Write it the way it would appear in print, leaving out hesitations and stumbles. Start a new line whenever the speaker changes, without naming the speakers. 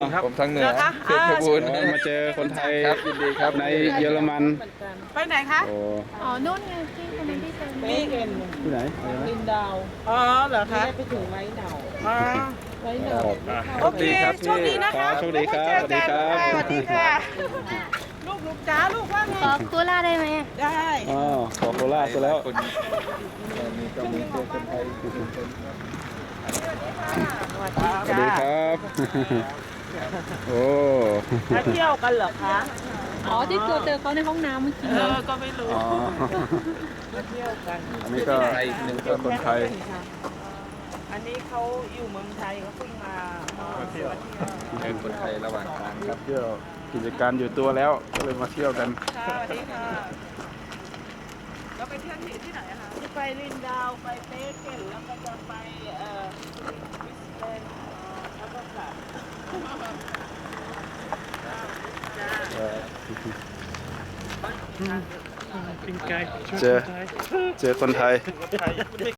ผมทางเหนือ
เหรอคะ
เพชรบูรณ์
มาเจอคนไทย
ครับยินดีครับ
ในเยอรมัน
ไปไหนคะ
โอ้
อ๋อนู่นไงที่คนนั้นที่เจอ
มีเอ็น
ที่ไหนอะไรนะ
ดินดาว
อ๋อเหรอคะ
ได้ไปถึงไว้เหนา
อ๋อ
ไว้เหนา
โอเคโชคดีนะคะ
โชคดีครับ
แล้วก็เจอกัน
สวัสดีครับ
สวัสดีค่ะ ลูกจ้าลูกว่าไง
ขอโคล่าได้ไหมอะ
ได้
อ๋อขอโคราชซะแล้ว
คนมีก็มีเจอคนไทยอยู่ทุกคน
สวัสดี
สวัสดี
จ้า
ครับ โอ้
มาเที่ยวกันเหรอคะ
อ๋อที่เจอเขาในห้องน้ำเมื่อกี้
ก็ไม่รู้
อ๋อ
มาเที่ยวกัน
อันนี้ก็
ไทยหนึ่ง
ก็คนไทย
อันนี้เขาอยู่เมืองไทยเขาเพิ่งมาเที่ยว
เจอคนไทยระหว่างทางครับ
เที่ยวกิจการอยู่ตัวแล้วก็เลยมาเที่ยวกัน
ค่ะสวัสดีค่ะเราไปเที่ยวที่ไหนอะคะที่ไปลินดาวไปเตเกนแล้วก็จะไปวิสเบนแล้วก็กลับ
เจอคนไทย